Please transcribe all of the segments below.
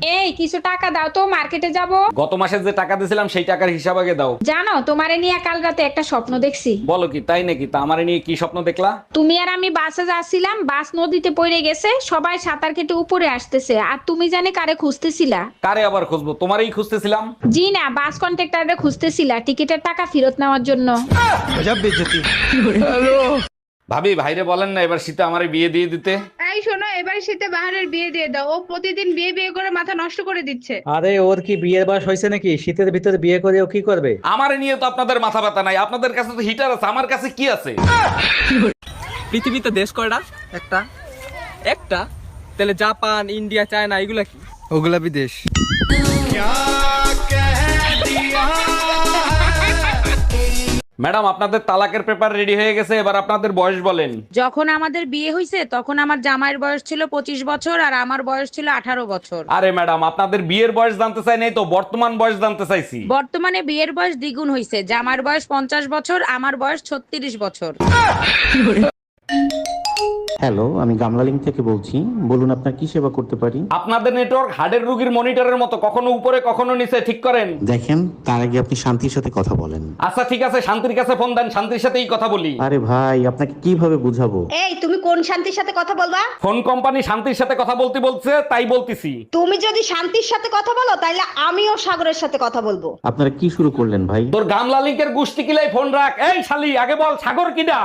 এই কিছু টাকা দাও তো, মার্কেটে যাব। গত মাসে যে টাকা দিয়েছিলাম সেই টাকার হিসাব আগে দাও। জানো, তোমারে নিয়ে কাল রাতে একটা স্বপ্ন দেখছি। বলো কি, তাই নাকি? তা আমারে নিয়ে কি স্বপ্ন দেখলা? তুমি আর আমি বাসে যাচ্ছিলাম, বাস নদীতে পড়ে গেছে, সবাই সাঁতার কেটে উপরে আসতেছে, আর তুমি জানে কারে খুঁজতেছিলা? কারে আবার খুঁজবো? তোমারই খুঁজতেছিলাম। জি না, বাস কন্ট্রাক্টরে খুঁজতেছিলা টিকিটের টাকা ফেরত নেওয়ার জন্য। ভাবি, ভাইরে বলেন না এবার শীতে আমারে বিয়ে দিয়ে দিতে। এই শোনো, এবার শীতে বাহারের বিয়ে দিয়ে দাও। ও প্রতিদিন বিয়ে বিয়ে করে মাথা নষ্ট করে দিচ্ছে। আরে ওর কি বিয়ের বয়স হয়েছে নাকি? শীতের ভিতরে বিয়ে করে ও কি করবে? আমারে নিয়ে তো আপনাদের মাথা ব্যথা নাই, আপনাদের কাছে তো হিটার আছে, আমার কাছে কি আছে? পৃথিবীতে দেশ কয়টা? একটা। একটা? তাহলে জাপান, ইন্ডিয়া, চায়না এগুলা কি? ওগুলা বিদেশ। ম্যাডাম, আপনাদের তালাকের পেপার রেডি হয়ে গেছে, এবার আপনাদের বয়স বলেন। যখন আমাদের বিয়ে হয়েছে তখন আমার জামাইয়ের বয়স ছিল 25 বছর আর আমার বয়স ছিল 18 বছর। আরে ম্যাডাম, আপনাদের বিয়ের বয়স জানতে চাই নাই তো, বর্তমান বয়স জানতে চাইছি। বর্তমানে বিয়ের বয়স দ্বিগুণ হয়েছে, জামাইয়ের বয়স 50 বছর, আমার বয়স 36 বছর। হ্যালো, আমি গামলালিং থেকে বলছি। বলুন আপনার কি সেবা করতে পারি? আপনাদের নেটওয়ার্ক হার্টের রোগীর মনিটরের মতো, কখনো উপরে কখনো নিচে, ঠিক করেন। দেখেন, তার আগে আপনি শান্তির সাথে কথা বলেন। আচ্ছা ঠিক আছে, শান্তির কাছে ফোন দেন, শান্তির সাথেই কথা বলি। আরে ভাই, আপনাকে কিভাবে বুঝাবো? এই তুমি কোন শান্তির সাথে কথা বলবা? ফোন কোম্পানি শান্তির সাথে কথা বলতে বলছে, তাই বলতেছি। তুমি যদি শান্তির সাথে কথা বলো তাহলে আমিও সাগরের সাথে কথা বলবো। আপনারা কি শুরু করলেন ভাই? তোর গামলা লিঙ্কের গুষ্টি কিলাই ফোন রাখ। এই শালি, আগে বল সাগর কিডা?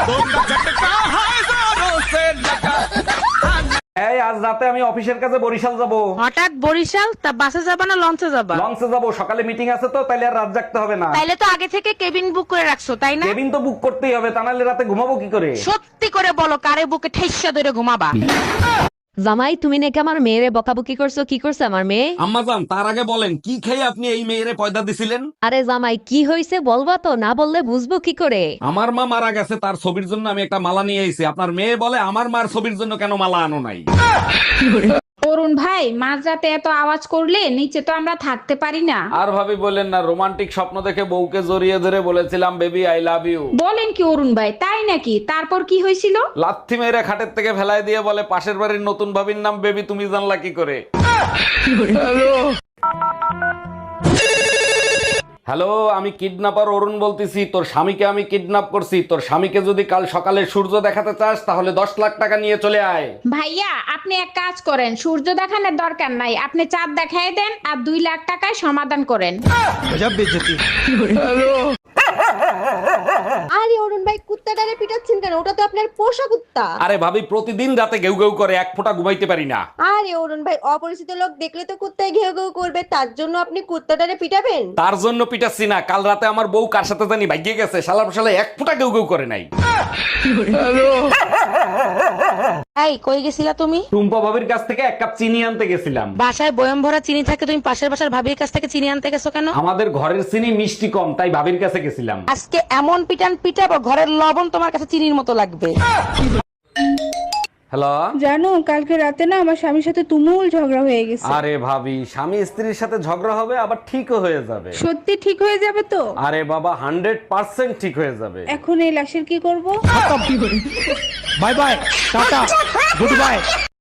এই আজ রাতে আমি অফিসের কাছে বরিশাল যাব। হঠাৎ বরিশাল? তা বাসে যাবা না লঞ্চে যাবা? লঞ্চে যাব, সকালে মিটিং আছে তো, তাইলে আর রাত জাগতে হবে না। তাইলে তো আগে থেকে কেবিন বুক করে রাখছো, তাই না? কেবিন তো বুক করতেই হবে, তা নাহলে রাতে ঘুমাবো কি করে? সত্যি করে বলো, কারে বুকে ঠেসা ধরে ঘুমাবা? জামাই, তুমি নাকি আমার মেয়েরে বকাবকি করছো? কি করছে আমার মেয়ে? আম্মাজান, তার আগে বলেন কি খেয়ে আপনি এই মেয়েরে পয়দা দিছিলেন? আরে জামাই, কি হয়েছে বলবা তো, না বললে বুঝবো কি করে? আমার মা মারা গেছে, তার ছবির জন্য আমি একটা মালা নিয়ে এসেছি। আপনার মেয়ে বলে আমার মার ছবির জন্য কেন মালা আনো নাই? অরুণ ভাই, মাঝরাতে এত আওয়াজ করলে নিচে তো আমরা থাকতে পারি না। আর ভাবি বলেন না, রোমান্টিক স্বপ্ন দেখে বউকে জড়িয়ে ধরে বলেছিলাম বেবি আই লাভ ইউ। বলেন কি অরুণ ভাই, তাই নাকি? তারপর কি হয়েছিল? লাথি মেরে খাটের থেকে ফেলায় দিয়ে বলে পাশের বাড়ির নতুন ভাবির নাম বেবি, তুমি জানলা কি করে? হ্যালো, আমি কিডন্যাপার অরুণ বলতেছি। তোর স্বামীকে আমি কিডন্যাপ করছি। তোর স্বামীকে যদি কাল সকালে সূর্য দেখাতে চাস তাহলে 10 লাখ টাকা নিয়ে চলে আয়। ভাইয়া, আপনি এক কাজ করেন, সূর্য দেখানোর দরকার নাই, আপনি চাঁদ দেখাই দেন আর 2 লাখ টাকায় সমাধান করেন। আরে অরুণ ভাই, কুত্তাটারে পিটাচ্ছেন কেন? ওটা তো আপনার পোষা কুত্তা। আরে ভাবি, প্রতিদিন রাতে ঘেউ ঘেউ করে, এক ফোঁটা ঘুমাইতে পারি না। আরে অরুণ ভাই, অপরিচিত লোক দেখলে তো কুত্তায় ঘেউ ঘেউ করবে, তার জন্য আপনি কুত্তাটারে পিটাবেন? তার জন্য পিটাচ্ছি না, কাল রাতে আমার বউ কার সাথে জানি ভাগিয়ে গেছে, শালা শালা এক ফোঁটা ঘেউ ঘেউ করে নাই। এই কই গেছিলা তুমি? টুম্পা ভাবির কাছ থেকে 1 কাপ চিনি আনতে গেছিলাম। বাসায় বয়ম ভরা চিনি থাকে, তুমি পাশের বাসার ভাবির কাছ থেকে চিনি আনতে গেছো কেন? আমাদের ঘরের চিনি মিষ্টি কম, তাই ভাবির কাছে গেছিলাম। আজকে এমন পিটান পিটাবো, ঘরের লবণ তোমার কাছে চিনির মতো লাগবে। হ্যালো। জানো, কালকে রাতে না আমার স্বামীর সাথে তুমুল ঝগড়া হয়ে গেছে। আরে ভাবি, স্বামী স্ত্রীর সাথে ঝগড়া হবে আবার ঠিকও হয়ে যাবে। সত্যি ঠিক হয়ে যাবে তো? আরে বাবা, 100% ঠিক হয়ে যাবে। এখন এই লাশের কি করব? Bye bye, tata, good by.